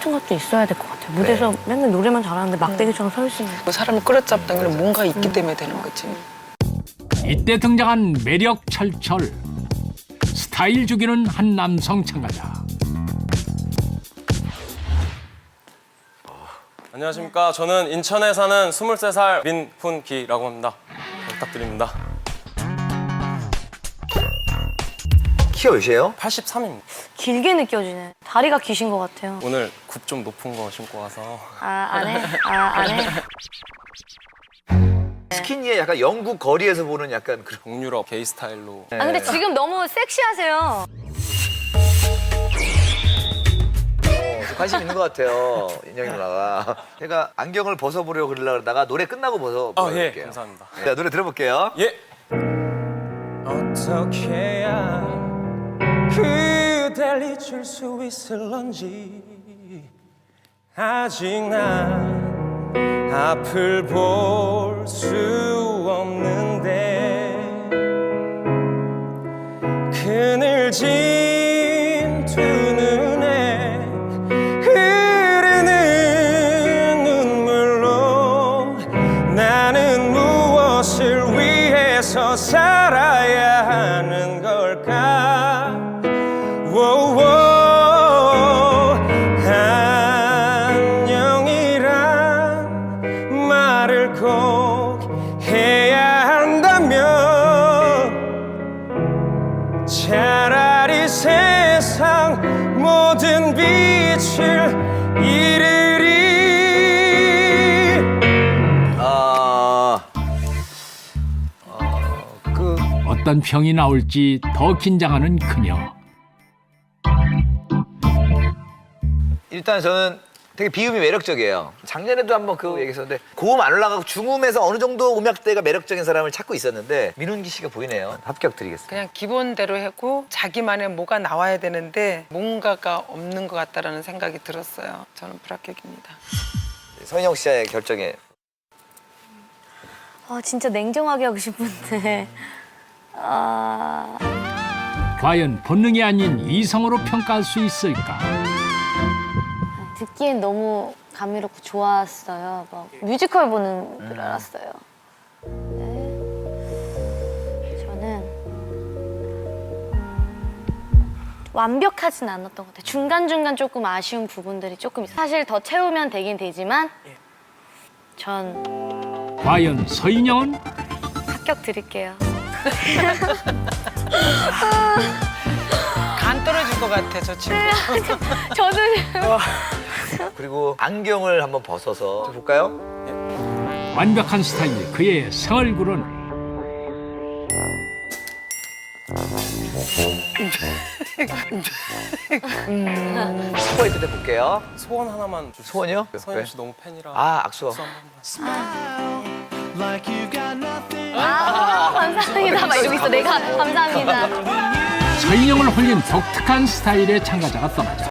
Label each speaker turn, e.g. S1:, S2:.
S1: 같은 것도 있어야 될 것 같아요. 무대에서 맨날 노래만 잘하는데 막대기처럼 서 있으면.
S2: 그 사람을 끌어잡는 건 뭔가 있기 때문에 되는 거지.
S3: 이때 등장한 매력 철철, 스타일 죽이는 한 남성 참가자.
S4: 안녕하십니까. 저는 인천에 사는 23살 민훈기라고 합니다. 잘 부탁드립니다.
S5: 키가 몇이에요?
S4: 83입니다.
S1: 길게 느껴지네. 다리가 기신 것 같아요.
S4: 오늘 굽 좀 높은 거 신고 와서.
S1: 안 해? 안 해?
S5: 스키니에 약간 영국 거리에서 보는 약간 그런.
S4: 동유럽 게이 스타일로.
S1: 근데 지금 너무 섹시하세요.
S5: 관심 있는 것 같아요, 인영이 누나가. 제가 안경을 벗어보려고 그러다가 노래 끝나고
S4: 예,
S5: 벗어볼게요.
S4: 감사합니다.
S5: 자, 노래 들어볼게요.
S4: 예. 어떻게 해야 그댈 잊을 수 있을런지 아직 난 앞을 볼 수 없는데 그늘진 두 눈에 흐르는 눈물로 나는 무엇을 위해서 살아야 하는 걸까. 안녕이란 말을 꼭 해야 한다면 차라리 세상 모든 빛을 잃으리.
S3: 어떤 평이 나올지 더 긴장하는 그녀.
S5: 일단 저는 되게 비음이 매력적이에요. 작년에도 한번 그 얘기했었는데 고음 안 올라가고 중음에서 어느 정도 음역대가 매력적인 사람을 찾고 있었는데 민훈기 씨가 보이네요. 합격 드리겠습니다.
S2: 그냥 기본대로 했고 자기만의 뭐가 나와야 되는데 뭔가가 없는 것 같다라는 생각이 들었어요. 저는 불합격입니다.
S5: 서인영 씨의 결정에.
S1: 진짜 냉정하게 하고 싶은데.
S3: 과연 본능이 아닌 이성으로 평가할 수 있을까?
S1: 듣기엔 너무 감미롭고 좋았어요. 막 뮤지컬 보는 줄 알았어요. 근데 저는 완벽하진 않았던 것 같아요. 중간중간 조금 아쉬운 부분들이 조금 있어요. 사실 더 채우면 되긴 되지만 전
S3: 과연 서인영은?
S1: 합격 드릴게요.
S2: 간 떨어질 것 같아, 저 친구.
S1: 저는
S5: 그리고 안경을 한번 벗어서 좀 볼까요?
S3: 완벽한 스타일 그의 생얼굴은
S5: 스포이 끝에 볼게요.
S4: 소원 하나만 주세요.
S5: 소원이요?
S4: 서인영 씨 너무 팬이라.
S5: 악수.
S4: 박수 한 번만.
S1: 감사합니다. 막 이러고 있어. 내가 감사합니다.
S3: 서인영을 홀린 독특한 스타일의 참가자가 떠나자